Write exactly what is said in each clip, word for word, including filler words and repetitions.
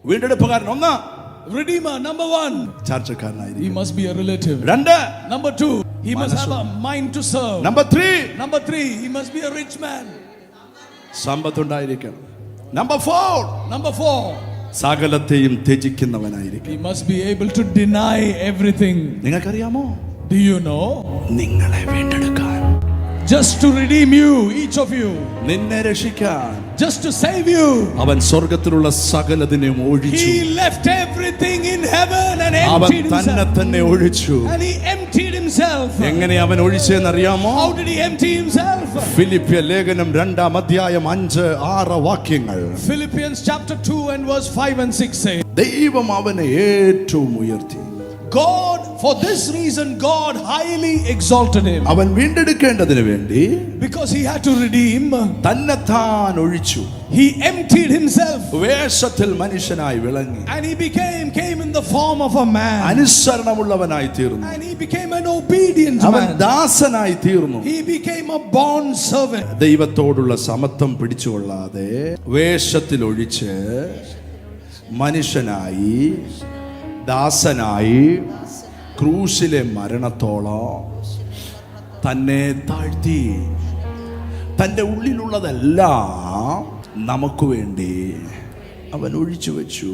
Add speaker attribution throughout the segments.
Speaker 1: വീണ്ടെടുപ്പുകാരൻ ഒന്ന്.
Speaker 2: Redeemer, number one.
Speaker 1: ചാർച്ചക്കാരനായിരിക്കും.
Speaker 2: He must be a relative.
Speaker 1: രണ്ട്.
Speaker 2: Number two, he must have a mind to serve.
Speaker 1: Number three.
Speaker 2: Number three, he must be a rich man.
Speaker 1: സമ്പത്തുണ്ടായിരിക്കണം. Number four.
Speaker 2: Number four,
Speaker 1: സകലത്തെയും ത്യജിക്കുന്നവനായിരിക്കും.
Speaker 2: he must be able to deny everything.
Speaker 1: നിങ്ങൾക്കറിയാമോ?
Speaker 2: Do you know?
Speaker 1: നിങ്ങളെ വീണ്ടെടുക്കാൻ,
Speaker 2: just to redeem you, each of you,
Speaker 1: നിന്നെ രക്ഷിക്കാൻ,
Speaker 2: just to save you,
Speaker 1: അവൻ സ്വർഗ്ഗത്തിലുള്ള സകലതിനെയും ഒഴിച്ചു.
Speaker 2: he left everything in heaven and
Speaker 1: അവൻ
Speaker 2: emptied
Speaker 1: തന്നെ
Speaker 2: himself.
Speaker 1: തന്നെ ഒഴിച്ചു.
Speaker 2: And he emptied himself.
Speaker 1: എങ്ങനെ അവൻ ഒഴിച്ചെന്നറിയാമോ?
Speaker 2: How did he empty himself?
Speaker 1: ഫിലിപ്പിയ ലേഖനം രണ്ടാം അധ്യായം അഞ്ച് ആറ് വാക്യങ്ങൾ.
Speaker 2: Philippians chapter two and verse five and six say,
Speaker 1: ദൈവം അവനെ ഏറ്റവും ഉയർത്തി.
Speaker 2: God, for this reason God highly exalted him.
Speaker 1: അവൻ വീണ്ടെടുക്കേണ്ടതിന് വേണ്ടി,
Speaker 2: because he had to redeem,
Speaker 1: തന്നെത്താൻ ഒഴിച്ചു.
Speaker 2: he emptied himself.
Speaker 1: വേഷത്തിൽ മനുഷ്യനായി വിളങ്ങി.
Speaker 2: And he became came in the form of a man.
Speaker 1: അനുസരണമുള്ളവനായി തീർന്നു.
Speaker 2: And he became an obedient
Speaker 1: അവൻ
Speaker 2: man.
Speaker 1: ദാസനായി തീർന്നു.
Speaker 2: He became a bond servant.
Speaker 1: ദൈവത്തോടുള്ള സമത്വം പിടിച്ചുകൊള്ളാതെ വേഷത്തിൽ ഒഴിച്ച് മനുഷ്യനായി ദാസനായി ക്രൂശിലെ മരണത്തോളം തന്നെ താഴ്ത്തി. തൻ്റെ ഉള്ളിലുള്ളതെല്ലാം നമുക്ക് വേണ്ടി അവൻ ഒഴിച്ചു വെച്ചു.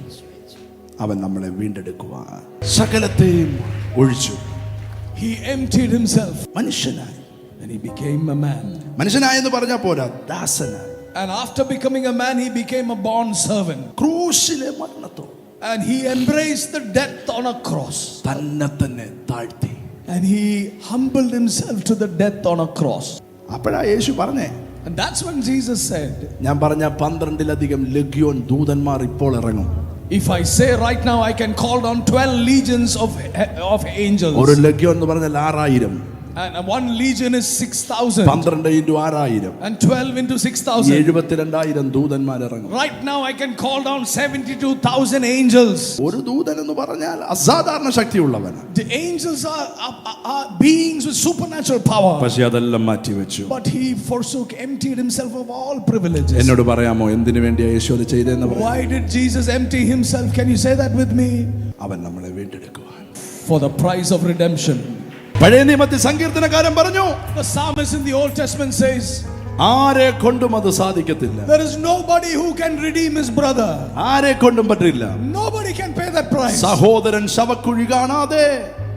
Speaker 1: അവൻ നമ്മളെ വീണ്ടെടുക്കുവാൻ സകലത്തെയും ഒഴിച്ചു.
Speaker 2: He emptied himself.
Speaker 1: മനുഷ്യനായി.
Speaker 2: And he became a man.
Speaker 1: മനുഷ്യനായി എന്ന് പറഞ്ഞാൽ പോരാ, ദാസനായി.
Speaker 2: And after becoming a man, he became a bond servant.
Speaker 1: ക്രൂശിലെ മരണത്തോളം.
Speaker 2: And he embraced the death on a cross.
Speaker 1: തന്നെ തന്നെ താഴ്ത്തി.
Speaker 2: And he humbled himself to the death on a cross.
Speaker 1: അപ്പോഴാ യേശു പറഞ്ഞേ.
Speaker 2: And that's when Jesus said,
Speaker 1: ഞാൻ പറഞ്ഞ പന്ത്രണ്ടിലധികം ലഗ്യോൻ ദൂതന്മാർ ഇപ്പോൾ ഇറങ്ങും.
Speaker 2: if I say right now, I can call down twelve legions of of angels.
Speaker 1: ഒരു ലഗ്യോൻ എന്ന് പറഞ്ഞാൽ ആറായിരം.
Speaker 2: And one legion is six thousand.
Speaker 1: പന്ത്രണ്ട് ഇൻറ്റു ആറായിരം.
Speaker 2: And twelve into six thousand.
Speaker 1: എഴുപത്തിരണ്ടായിരം ദൂതന്മാർ ഇറങ്ങും.
Speaker 2: Right now I can call down seventy-two thousand angels.
Speaker 1: ഒരു ദൂതൻ എന്ന് പറഞ്ഞാൽ അസാധാരണ ശക്തിയുള്ളവൻ.
Speaker 2: The angels are, are, are beings with supernatural power.
Speaker 1: പക്ഷേ അതെല്ലാം മാറ്റി വെച്ചു.
Speaker 2: But he forsook, emptied himself of all privileges.
Speaker 1: എന്നോട് പറയാമോ എന്തിനു വേണ്ടിയാ യേശു അത് ചെയ്തതെന്ന് പറയാമോ?
Speaker 2: Why did Jesus empty himself? Can you say that with me?
Speaker 1: അവൻ നമ്മളെ വീണ്ടെടുക്കുവാൻ.
Speaker 2: For the price of redemption.
Speaker 1: പഴയ നിയമത്തിൽ സങ്കീർത്തനക്കാരൻ പറഞ്ഞു,
Speaker 2: the psalmist in the Old Testament says,
Speaker 1: ആരെ കൊണ്ടും അത് സാധിക്കത്തില്ല.
Speaker 2: there is nobody who can redeem his brother.
Speaker 1: ആരെ കൊണ്ടും പറ്റില്ല.
Speaker 2: Nobody can pay that price.
Speaker 1: സഹോദരൻ ശവക്കുഴി കാണാതെ,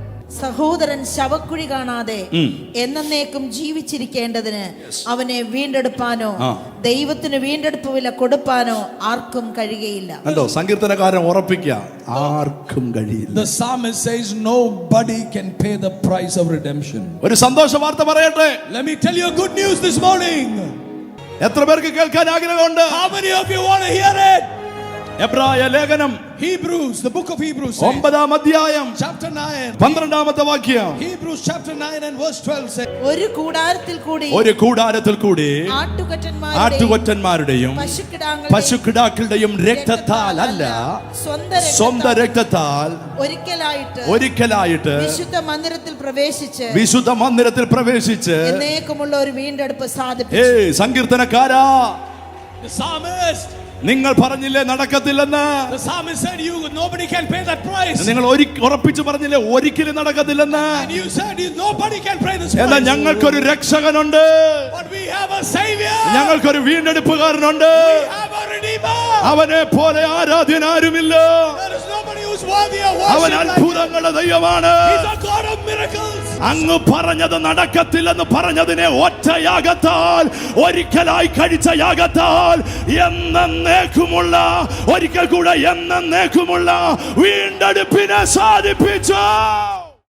Speaker 3: സഹോദരൻ ശവക്കുഴി കാണാതെ എന്നേക്കും ജീവിച്ചിരിക്കേണ്ടതിന് അവനെ വീണ്ടെടുപ്പാനോ ദൈവത്തിന് വീണ്ടെടുപ്പ് വില കൊടുപ്പാനോ ആർക്കും കഴിയുകയില്ല.
Speaker 1: കണ്ടോ, സങ്കീർത്തനക്കാരൻ ഉറപ്പിക്കുക, ആർക്കും കഴിയില്ല.
Speaker 2: The psalmist says nobody can pay the price of redemption.
Speaker 1: ഒരു സന്തോഷ വാർത്ത പറയട്ടെ.
Speaker 2: Let me tell you a good news this morning.
Speaker 1: എത്ര പേർക്ക് കേൾക്കാൻ ആഗ്രഹമുണ്ട്?
Speaker 2: How many of you want to hear it?
Speaker 1: എബ്രായ ലേഖനം
Speaker 2: Hebrews, the book of Hebrews says,
Speaker 1: ഒമ്പതാം അധ്യായം
Speaker 2: chapter nine,
Speaker 1: പന്ത്രണ്ടാമത്തെ വാക്യം.
Speaker 2: Hebrews chapter nine and verse twelve says,
Speaker 3: ഒരു കൂടാരത്തിൽ കൂടി
Speaker 1: ഒരു കൂടാരത്തിൽ കൂടി
Speaker 3: ആട്ടുകൊറ്റന്മാരുടെയും
Speaker 1: പശുക്കിടാക്കളുടെയും രക്തത്താൽ അല്ല, സ്വന്തം രക്തത്താൽ
Speaker 3: ഒരിക്കലായിട്ട്
Speaker 1: ഒരിക്കലായിട്ട്
Speaker 3: വിശുദ്ധ മന്ദിരത്തിൽ പ്രവേശിച്ച്
Speaker 1: വിശുദ്ധ മന്ദിരത്തിൽ പ്രവേശിച്ച്
Speaker 3: എന്നേക്കുമുള്ള ഒരു വീണ്ടെടുപ്പ് സാധിച്ചു.
Speaker 1: ഏയ് സങ്കീർത്തനക്കാരാ,
Speaker 2: the psalmist,
Speaker 1: നിങ്ങൾ പറഞ്ഞില്ലേ നടക്കത്തില്ലെന്ന്?
Speaker 2: the psalmist said you nobody can pay that price.
Speaker 1: നിങ്ങൾ ഉറപ്പിച്ചു പറഞ്ഞില്ലേ ഒരിക്കലും നടക്കത്തില്ലെന്ന്?
Speaker 2: And you said nobody can pay this price.
Speaker 1: എന്നാൽ ഞങ്ങൾക്കൊരു രക്ഷകനുണ്ട്.
Speaker 2: But we have a savior.
Speaker 1: ഞങ്ങൾക്കൊരു വീണ്ടെടുപ്പുകാരനുണ്ട്.
Speaker 2: We have a redeemer.
Speaker 1: അവനെ പോലെ ആരാധ്യൻ ആരുമില്ല.
Speaker 2: There is nobody who's worthy of worship.
Speaker 1: അവൻ അത്ഭുതങ്ങളുടെ ദൈവമാണ്.
Speaker 2: He's a God of miracles.
Speaker 1: അങ്ങ് പറഞ്ഞത് നടക്കത്തില്ലെന്ന് പറഞ്ഞതിനെ ഒറ്റ യാഗത്താൽ, ഒരിക്കലായി കഴിച്ച യാഗത്താൽ എന്നേക്കുമുള്ള, ഒരിക്കൽ കൂടെ എന്നേക്കുമുള്ള വീണ്ടെടുപ്പിനെ സാധിപ്പിച്ചു.